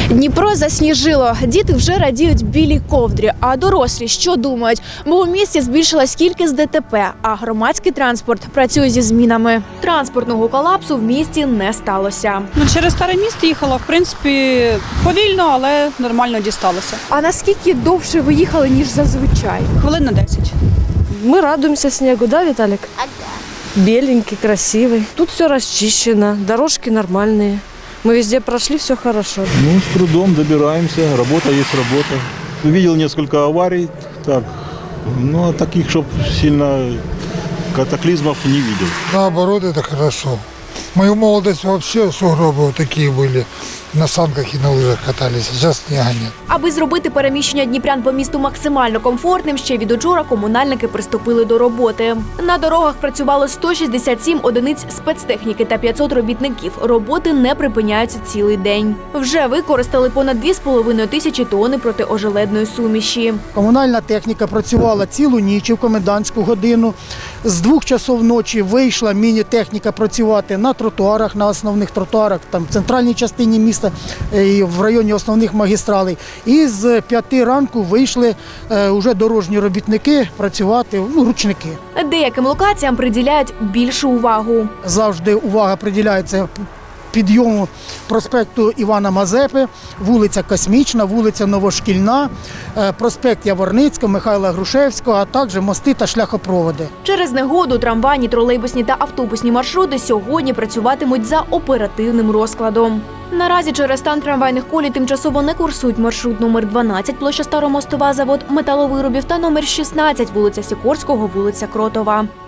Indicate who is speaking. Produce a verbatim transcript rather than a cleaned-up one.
Speaker 1: Дніпро засніжило. Діти вже радіють білій ковдрі. А дорослі що думають? Бо у місті збільшилась кількість ДТП, а громадський транспорт працює зі змінами. Транспортного колапсу в місті не сталося.
Speaker 2: Ну, через старе місто їхала, в принципі, повільно, але нормально дісталося.
Speaker 1: А наскільки довше ви їхали, ніж зазвичай?
Speaker 2: Хвилин на десять.
Speaker 3: Мы радуемся снегу, да, Виталик? Беленький, красивый. Тут все расчищено, дорожки нормальные. Мы везде прошли, все хорошо.
Speaker 4: Ну, с трудом добираемся, работа есть работа. Видел несколько аварий, так, ну, а таких, чтобы сильно катаклизмов не видел.
Speaker 5: Наоборот, это хорошо. В мою молодость вообще сугробы вот такие были. На санках і на лижах катались, а зараз снега нет.
Speaker 1: Аби зробити переміщення дніпрян по місту максимально комфортним, ще від учора комунальники приступили до роботи. На дорогах працювало сто шістдесят сім одиниць спецтехніки та п'ятсот робітників. Роботи не припиняються цілий день. Вже використали понад дві з половиною тисячі тонни протиожеледної суміші.
Speaker 6: Комунальна техніка працювала цілу ніч в комендантську годину. З двох часов ночі вийшла міні-техніка працювати на тротуарах, на основних тротуарах, там в центральній частині міста і в районі основних магістралей. І з п'яти ранку вийшли е, вже дорожні робітники працювати, ну, ручники.
Speaker 1: Деяким локаціям приділяють більшу увагу.
Speaker 6: Завжди увага приділяється підйому проспекту Івана Мазепи, вулиця Космічна, вулиця Новошкільна, проспект Яворницького, Михайла Грушевського, а також мости та шляхопроводи.
Speaker 1: Через негоду трамвайні, тролейбусні та автобусні маршрути сьогодні працюватимуть за оперативним розкладом. Наразі через стан трамвайних колій тимчасово не курсують маршрут номер дванадцять, площа Старомостова, завод металовиробів та номер шістнадцять, вулиця Сікорського, вулиця Кротова.